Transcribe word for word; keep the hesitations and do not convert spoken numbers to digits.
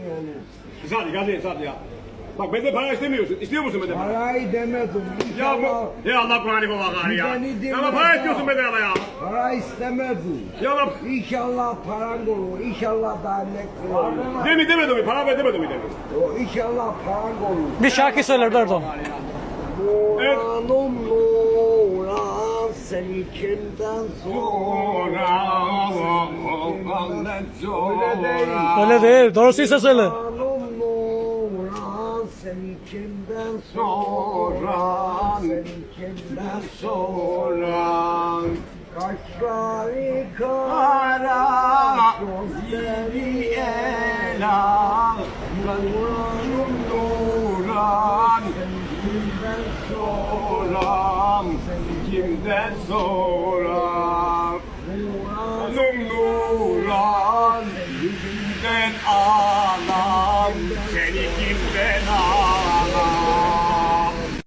Hadi hadi hadi ya. Bak benden para istemiyorsun. İstiyor musun benden para? Parayı demedim. Ya İnşallah bu... Ya Allah Kur'an'ı bu bakar ya. Beni Ya ama dinle para ya. istiyorsun benden ama ya. para istemedim. Ya bak. İnşallah paran olur. İnşallah dernek olur. Demi demedim mi? Para ver demedim mi dedim. O İnşallah paran olur. Bir şarkı söyler Erdoğan. Evet. Nuranım Nuran seni kimden sonra Sonra sonra. Öyle değil. Doğrusuysa söyle. Nuranım Nuran seni kimden sonra seni kimden Sonra. Kaşları Kara kara gözleri ela. Nuranım Nuran. kimden Soram. Kimden soram? Nuranım Nuran. Kimden ağlam? Seni kimden